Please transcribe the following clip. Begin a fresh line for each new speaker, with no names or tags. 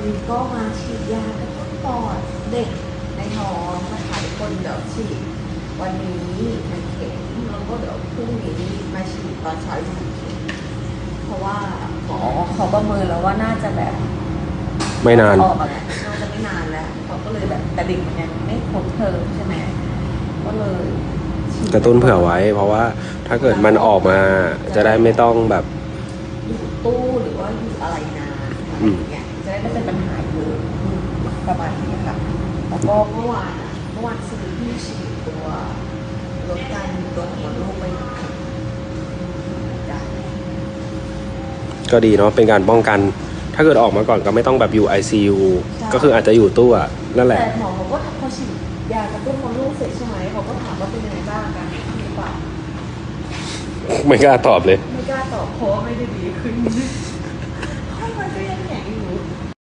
นี้ก็มาฉีดยากระตุ้นปอดเด็กในท้องนะคะทุกคนเดี๋ยวฉีดวันนี้1 เข็มแล้วก็เดี๋ยวพรุ่งนี้มาฉีดตอนเช้าอีก1 เข็มเพราะว่าหมอเขาประเมินแล้วว่าน่าจะแบบ
ไม่นาน
ออกอะไรน่าจะไม่นานแล้วเขาก็เลยแบบแต่เด็กมันยังไม่ครบเทอมใช่ไหมก็เลย
กระตุ้นเผื่อไว้ เพราะว่าถ้าเกิดมันออกมาจะได้ไม่ต้องแบบ
อยู่ตู้หรือว่าอยู่อะไรนานอะไรอย่างเงี้ยจะได้ไม่เป็นปัญหาเยอะประมาณนี้ค่ะแล้วก็เมื่อวานซื้อที่ฉีดตัวลดการตัวของมดลูกไป1 เข็ม
ก็ดีเนาะเป็นการป้องกัน ถ้าเกิดออกมาก่อนก็ไม่ต้องแบบอยู่ ICU ก็คืออาจจะอยู่ตู้อะนั่นแหละ
แต่หมอเขาก็พอฉีดยากระตุ้นมดลูกเสร็จใช่ไหมเขาก็ถามว่าเป็นยังไงบ้างกันหรือเปล่า
ไม่กล้าตอบเลย
ไม่กล้าตอบเพราะว่าไม่ได้ดีขึ้น